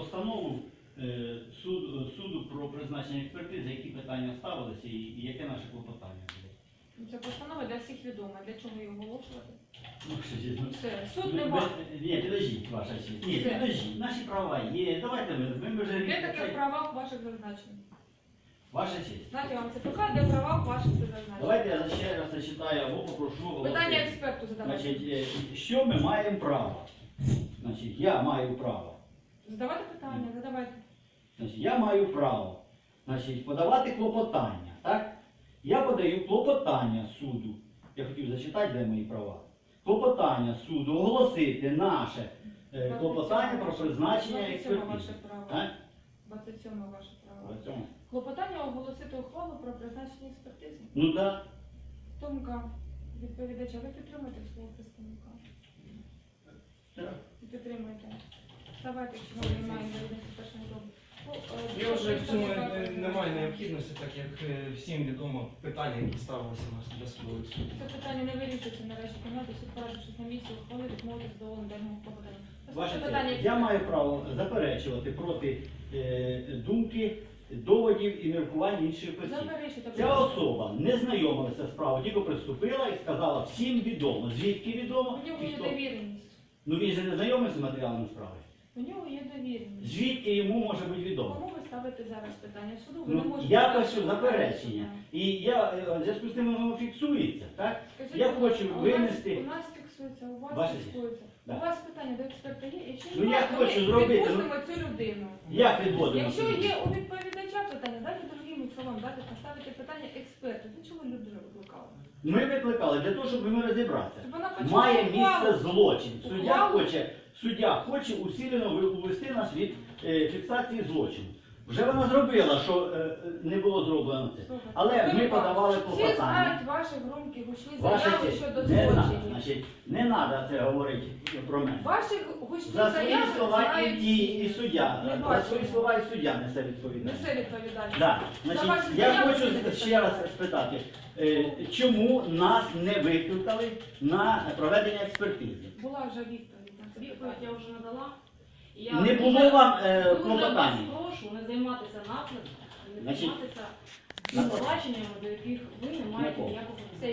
постанову суду про призначення експертизи, які питання ставилися і яке наше клопотання було. Ця постанова для всіх відома. Для чого її оголошувати? Ну, що ж, ну, Все. Суд не має. Ні, підождіть, ваша честь. Ні, Все. підождіть. Наші права є. Давайте ми вже... Де таке в правах ваших зазначень? Ваша честь. Знаєте, я вам це покажу, де в правах ваших це зазначень. Давайте я ще раз зачитаю або попрошу оголосити. Питання експерту задавати. Значить, що ми маємо право? Значить, я маю право. Задавайте питання, задавайте. Значить, я маю право, значить, подавати клопотання, так? Я подаю клопотання суду. Я хотів зачитати, де мої права. Клопотання суду оголосити наше клопотання про призначення 27 експертизи. ваше право. Так? 27 ваше право. В цьому. Клопотання оголосити ухвалу про призначення експертизи. Ну так. Думка відповідача, ви підтримуєте свого представника? Так. Ви підтримуєте. Давайте, якщо ми маємо довідності першого дому. Я вже в цьому немає необхідності, так як всім відомо питання, які ставилися у нас для судових судів. Це питання не вирішується нарешті кімнати, суд порадившись на місці ухвали відмовити задоволеним даному клопотанню. Ваше Питання честь, я маю право заперечувати проти думки, доводів і міркувань інших осіб. Заперечуйте. Ця особа не знайомилася з справою, тільки приступила і сказала, всім відомо. Звідки відомо? У нього І є хто? довіреність. Ну він же не знайомий з матеріалами справи. У нього є довіреність. Звідки йому може бути відомо? Кому ви ставите зараз питання в суду? Ви не Ну, можете я ставити пишу питання. заперечення. І я, в зв'язку з тим, воно фіксується, так? Скажіть, Я будь ласка, хочу у нас- винести... У нас фіксується, у вас Ваше фіксується. Да. У вас питання до експерта є? Якщо Ну, я немає, то хочу ми зробити, відпустимо цю людину. Як відводимо? Якщо є у відповідача питання, дайте другим словам, дайте поставити питання експерту. Для чого людину викликали? Ми викликали для того, щоб ми розібратися. Щоб вона почула Має ухвалу. місце злочин. Ухвалу. Суддя хоче усилено увести нас від фіксації злочину. Вже вона зробила, що не було зроблено це. Слухайте, Але ми Анатолій подавали Павлович, Всі клопотання. знають ваші громкі гучні Ваша заяви честь, щодо не треба, злочинів. значить, не треба це говорити про мене. Ваші гучні За свої заяви слова і знають дії і всі. суддя. Не За бачимо. свої слова і суддя несе відповідальність. Несе відповідальність. Да. За Значить, ваші я заяви хочу будете ще раз відповідати. спитати, чому нас не викликали на проведення експертизи? Була вже відповідь на це Відповідь питання. я вже надала. І я Не було дуже- вам дуже вас клопотання? прошу не займатися наклепом, не Значить, займатися звинуваченнями, до яких ви не маєте Якого? ніякого. Все,